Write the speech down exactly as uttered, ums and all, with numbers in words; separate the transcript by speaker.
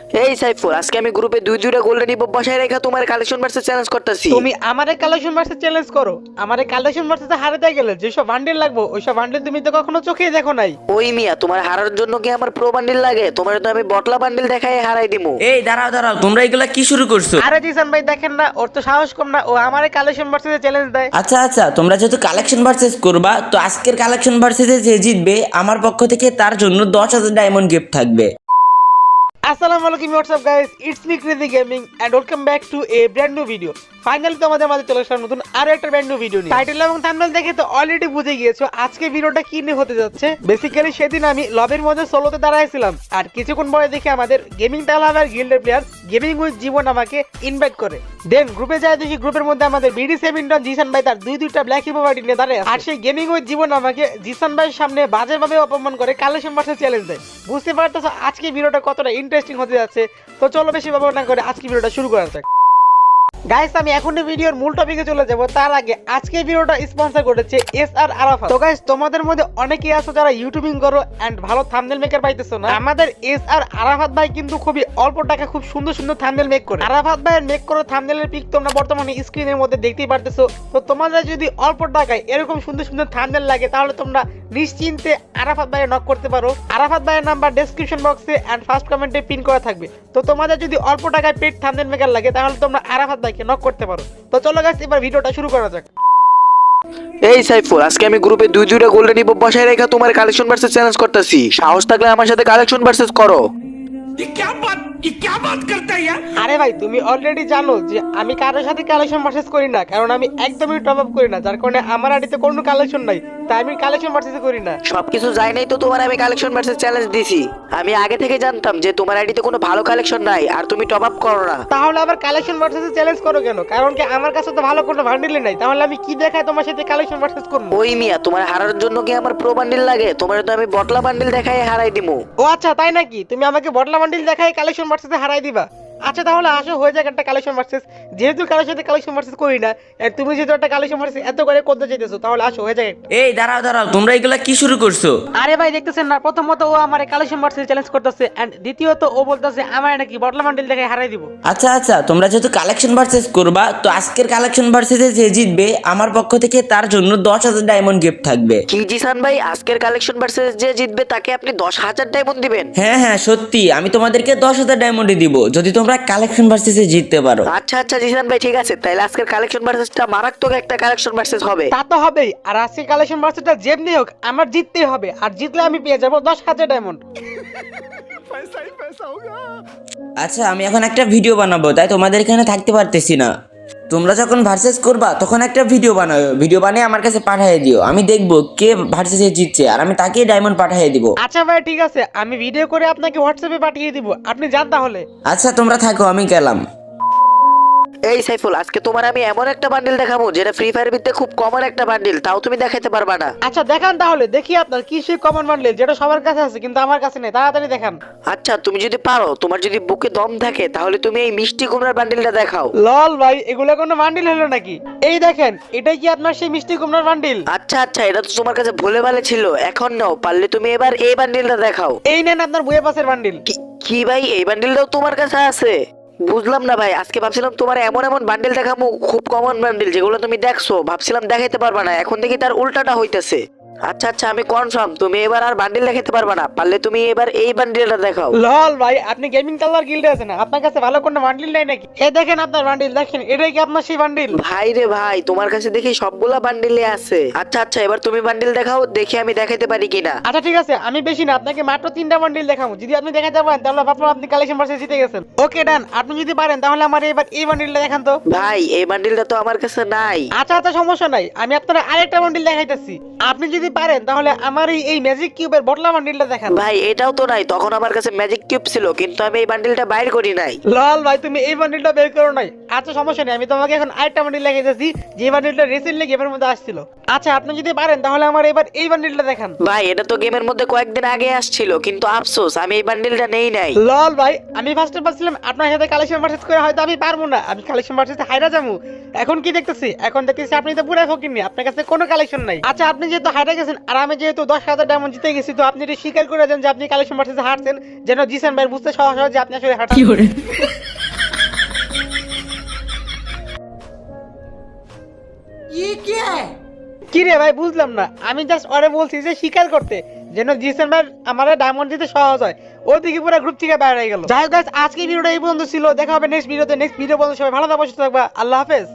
Speaker 1: এই সাইফুল, আজকে আমি গ্রুপে দুই দুইটা গোল্ডেন ইপো বসায় রেখা তোমার কালেকশন ভার্সেস চ্যালেঞ্জ করতেছি।
Speaker 2: তুমি আমারে কালেকশন ভার্সেস চ্যালেঞ্জ করো। আমারে কালেকশন ভার্সেস হারাতে গেলে যেসব বান্ডেল লাগবে ওইসব বান্ডেল তুমি তো কখনো চোখেই দেখো নাই।
Speaker 1: ওই মিয়া, তোমার হারার জন্য কি আমার প্রো বান্ডিল লাগে? তোমার তো আমি বটলা বান্ডিল দেখাই হারাই দিমু।
Speaker 3: এই দাঁড়াও দাঁড়াও, তোমরা এগুলা কি শুরু করছো?
Speaker 2: আরে জিসান ভাই দেখেন না, ওর তো সাহস কম না, ও আমারে কালেকশন ভার্সেস চ্যালেঞ্জ দেয়।
Speaker 3: আচ্ছা আচ্ছা, তোমরা যেহেতু কালেকশন ভার্সেস করবা, তো আজকের কালেকশন ভার্সেসে যে জিতবে আমার পক্ষ থেকে তার জন্য দশ হাজার ডায়মন্ড গিফট থাকবে।
Speaker 2: আসসালামু আলাইকুম, what's up guys, it's me Crazy Gaming and welcome back to a brand new video. Finally তোমাদের মাঝে চলে আসলাম নতুন আরো একটা ব্র্যান্ড নিউ ভিডিও নিয়ে। টাইটেল এবং থাম্বনেল দেখে তো অলরেডি বুঝে গিয়েছো আজকে ভিডিওটা কি নিয়ে হতে যাচ্ছে। বেসিক্যালি সেদিন আমি লবের মধ্যে সোলোতে দাঁড়াইছিলাম, আর কিছুক্ষণ পরে দেখি আমাদের গেমিং টালাভার গিল্ডের প্লেয়ার গেমিং উইথ জীবন আমাকে ইনভাইট করে। দেন গ্রুপে যায় দেখি গ্রুপের মধ্যে আমাদের বিডি সেভেন্টন জিসান ভাই তার দুই দুইটা ব্ল্যাক হিপো পার্টি নিয়ে দাঁড়ায়, আর সেই গেমিং উইথ জীবন আমাকে জিসান ভাইয়ের সামনে বাজেভাবে অপমান করে কালেকশন ভার্সেস চ্যালেঞ্জ দেয়। বুঝতে পারতেছো আজকে ভিডিওটা কতটা ইন্টারেস্টিং হতে যাচ্ছে। তো চলো বেশি ব্যবহার না করে আজকে ভিডিওটা শুরু করা যাক। গাইস, আমি এখনই ভিডিওর মূল টপিকে চলে যাব। তার আগে আজকে ভিডিওটা স্পন্সর করেছে এস আর আরাফাত। তো গাইস, তোমাদের মধ্যে অনেকেই আছো যারা ইউটিউবিং করো এন্ড ভালো থাম্বনেল মেকার পাইতেছো না। আমাদের এস আর আরাফাত ভাই কিন্তু খুবই অল্প টাকা খুব সুন্দর সুন্দর থাম্বনেল মেক করে। আরাফাত ভাইয়ের মেক করা থাম্বনেলের পিক তোমরা বর্তমানে স্ক্রিনের মধ্যে দেখতেই পারতেছো। তো তোমাদের যদি অল্প টাকায় এরকম সুন্দর সুন্দর থাম্বনেল লাগে তাহলে তোমরা নিশ্চিন্তে আরাফাত ভাইয়ের নক করতে পারো। আরাফাত ভাইয়ের নাম্বার ডেসক্রিপশন বক্সে এন্ড ফার্স্ট কমেন্টে পিন করা থাকবে। তো তোমাদের যদি অল্প টাকায় পেড থাম্বনেল মেকার লাগে তাহলে তোমরা আরাফাত ভাইকে নক করতে পারো। তো চলো গাইস, এবার ভিডিওটা শুরু করা যাক।
Speaker 1: এই সাইফুল, আজকে আমি গ্রুপে দুই দুইটা গোল্ডেন ইপো বসায় রেখা তোমার কালেকশন ভার্সেস চ্যালেঞ্জ করতেছি। সাহস থাকলে আমার সাথে কালেকশন ভার্সেস করো।
Speaker 2: আরে ভাই, তুমি অলরেডি জানো যে আমি কারোর সাথে কালেকশন ভার্সেস করি না, কারণ আমি একদমই টপ আপ করি না, যার কারণে আমার আইডিতে কোনো কালেকশন নাই, তাই আমি কালেকশন ভার্সেস করি না।
Speaker 1: সবকিছু যাই নাই তো তোমার আমি কালেকশন ভার্সেস চ্যালেঞ্জ দিছি। আমি আগে থেকে জানতাম যে তোমার আইডিতে কোনো ভালো কালেকশন নাই আর তুমি টপ আপ করো না।
Speaker 2: তাহলে আবার কালেকশন ভার্সেস চ্যালেঞ্জ করো কেন? কারণ কি আমার কাছে তো ভালো কোনো বান্ডিলই নাই, তাহলে আমি কি দেখাই তোমার সাথে কালেকশন ভার্সেস করব?
Speaker 1: ওই মিয়া, তোমার হারার জন্য কি আমার প্রো বান্ডিল লাগে? তোমার তো আমি বটলা বান্ডিল দেখাই হারাই দিমু।
Speaker 2: ও আচ্ছা, তাই নাকি? তুমি আমাকে বটলা বান্ডিল দেখাই কালেকশন ভার্সেসে হারাই দিবা? আচ্ছা তাহলে আসো, হয়ে যাক একটা কালেকশন ভার্সেস। যেহেতু কারোর সাথে কালেকশন ভার্সেস করি না, আর তুমি যেহেতু একটা কালেকশন ভার্সেস এত করে করতে চাইতেছো, তাহলে আসো হয়ে যাক একটা।
Speaker 3: এই দাঁড়াও দাঁড়াও, তোমরা এগুলা কি শুরু করছো?
Speaker 2: আরে ভাই দেখতেছেন না, প্রথমত ও আমার কালেকশন ভার্সেস চ্যালেঞ্জ করতেছে এন্ড দ্বিতীয়ত ও বলতেছে আমার নাকি বটলা বান্ডিল দেখাই হারাই দিব।
Speaker 3: আচ্ছা আচ্ছা, তোমরা যেহেতু কালেকশন ভার্সেস করবা, তো আজকের কালেকশন ভার্সেসে যে জিতবে আমার পক্ষ থেকে তার জন্য দশ হাজার ডায়মন্ড গিফট থাকবে।
Speaker 1: কি জিসান ভাই, আজকের কালেকশন ভার্সেস যে জিতবে তাকে আপনি দশ হাজার ডায়মন্ড দিবেন?
Speaker 3: হ্যাঁ হ্যাঁ সত্যি, আমি তোমাদেরকে দশ হাজার ডায়মন্ডে দিব যদি তোমরা কালেকশন ভার্সেসে জিততে পারো।
Speaker 1: আচ্ছা আচ্ছা জিসান ভাই, ঠিক আছে, তাহলে আজকের কালেকশন ভার্সেসটা মারাত্মক একটা কালেকশন ভার্সেস হবে।
Speaker 2: তা তো হবেই, আর আজকে কালেকশন ভার্সেসটা যেমনি হোক আমার জিততেই হবে, আর জিতলে আমি পেয়ে যাবো দশ হাজার ডায়মন্ড।
Speaker 3: আচ্ছা, আমি এখন একটা ভিডিও বানাবো, তাই তোমাদের এখানে থাকতে পারতেছি না। তোমরা যখন ভার্সেস করবা তখন একটা ভিডিও বানাও, ভিডিও বানিয়ে আমার কাছে পাঠিয়ে দিও, আমি দেখবো কে ভার্সেসে জিতছে আর আমি তাকেই ডায়মন্ড পাঠিয়ে দিব।
Speaker 2: আচ্ছা ভাই ঠিক আছে, আমি ভিডিও করে আপনাকে হোয়াটসঅ্যাপে পাঠিয়ে দিব, আপনি যান তাহলে।
Speaker 3: আচ্ছা তোমরা থাকো, আমি গেলাম।
Speaker 1: এই সাইফুল, আজকে তোমার আমি এমন একটা বান্ডিল দেখাবো যেটা ফ্রি ফায়ার ভিত্তিতে খুব কমন একটা বান্ডিল, তাও তুমি দেখাইতে পারবা না।
Speaker 2: আচ্ছা দেখান তাহলে, দেখি আপনার কি সেই কমন বান্ডেল যেটা সবার কাছে আছে কিন্তু আমার কাছে নেই, তাড়াতাড়ি দেখান।
Speaker 1: আচ্ছা, তুমি যদি পারো, তোমার যদি বুকে দম থাকে, তাহলে তুমি এই মিষ্টি কুমড়ার বান্ডিলটা দেখাও।
Speaker 2: লল ভাই, এগুলো কোনো বান্ডিল হলো নাকি? এই দেখেন, এটাই কি আপনার সেই মিষ্টি কুমড়ার বান্ডিল?
Speaker 1: আচ্ছা আচ্ছা, এটা তো তোমার কাছে ভুলে ভালে ছিল, এখন নাও, পারলে তুমি এবার এই বান্ডিলটা দেখাও।
Speaker 2: এই নেন আপনার বইয়ে পাশের বান্ডিল।
Speaker 1: কি- কি ভাই, এই বান্ডিলটাও তোমার কাছে আছে? বুঝলাম না ভাই, আজকে ভাবছিলাম তোমার এমন এমন বান্ডিল দেখাবো খুব কমন বান্ডিল যেগুলো তুমি দেখছো, ভাবছিলাম দেখাইতে পারবা না, এখন দেখি তার উল্টাটা হইতেছে। আচ্ছা আচ্ছা, আমি কনফার্ম তুমি এবার আর বান্ডিল দেখাইতে পারবা না, পারলে তুমি এবার এই বান্ডিলটা দেখাও।
Speaker 2: লল ভাই, আপনি গেমিং কালার গিল্ডে আছেন না, আপনার কাছে ভালো কোনো বান্ডিল নাই নাকি? এই দেখেন আপনার বান্ডিল, দেখেন এটাই কি আপনার সেই বান্ডিল?
Speaker 1: ভাই রে ভাই, তোমার কাছে দেখি সবগুলা বান্ডিলে আছে। আচ্ছা আচ্ছা, এবার তুমি বান্ডিল দেখাও, দেখি আমি দেখাইতে পারি কিনা।
Speaker 2: আচ্ছা ঠিক আছে, আমি বেশি না, আপনাকে মাত্র তিনটা বান্ডিল দেখাবো, যদি আপনি দেখাতে পারেন তাহলে ভাবলাম আপনি কালেকশন ভার্সেস জিতে গেছেন। ওকে ডান, আপনি যদি পারেন তাহলে আমার এবার এই বান্ডিলটা দেখান তো।
Speaker 1: ভাই, এই বান্ডিলটা তো আমার কাছে নাই।
Speaker 2: আচ্ছা আচ্ছা, সমস্যা নাই, আমি আপনার আরেকটা বান্ডিল দেখাইতেছি, আপনি যদি পারেন তাহলে আমার এই এই ম্যাজিক কিউবের বটলা বান্ডিলটা দেখান।
Speaker 1: ভাই, এটাও তো নাই, তখন আমার কাছে ম্যাজিক কিউব ছিল কিন্তু আমি এই বান্ডিলটা বাইর করি নাই।
Speaker 2: লল ভাই, তুমি এই বান্ডিলটা বের করো নাই? আচ্ছা সমস্যা নেই, আমি তোমাকে এখন আরেকটা বান্ডিল দেখাইতেছি, যে বান্ডিলটা রিসেন্টলি গেমের মধ্যে আসছিল। আচ্ছা আপনি যদি পারেন তাহলে আমার এবার এই বান্ডিলটা দেখান।
Speaker 1: ভাই, এটা তো গেমের মধ্যে কয়েকদিন আগে আসছিল, কিন্তু আফসোস আমি এই বান্ডিলটা নেই নাই।
Speaker 2: লল ভাই, আমি ফার্স্টে ভাবছিলাম আপনার সাথে কালেকশন ভার্সেস করে হয়তো আমি পারবো না, আমি কালেকশন ভার্সেসে হাইরা যাবো। এখন কি দেখতেছি, এখন দেখতেছি আপনি তো পুরো ফকিরনি, আপনার কাছে কোনো কালেকশন নাই। আচ্ছা আপনি যেহেতু হাইরা গেছেন আর আমি যেহেতু দশ হাজার ডায়মন্ড জিতে গেছি, তো আপনি এটা স্বীকার করে দেন যে আপনি কালেকশন ভার্সেসে হারছেন, যেন জিসান ভাই বুঝতে সহজ হয় যে আপনি আসলে হারছেন। কি রে ভাই বুঝলাম না, আমি জাস্ট ওরে বলছি যে স্বীকার করতে, যেন জিসান ভাই আমার ডায়মন্ড দিতে সহজ হয়। ওর দিকে পুরো গ্রুপ থেকে বাইরে হয়ে গেল। যাই হোক গাইস, আজকে ভিডিওটা এই পর্যন্ত ছিল। দেখা হবে নেক্সট ভিডিওতে। নেক্সট ভিডিও পর্যন্ত সবাই ভালো থাকবা, সুস্থ থাকবা। আল্লাহ হাফেজ।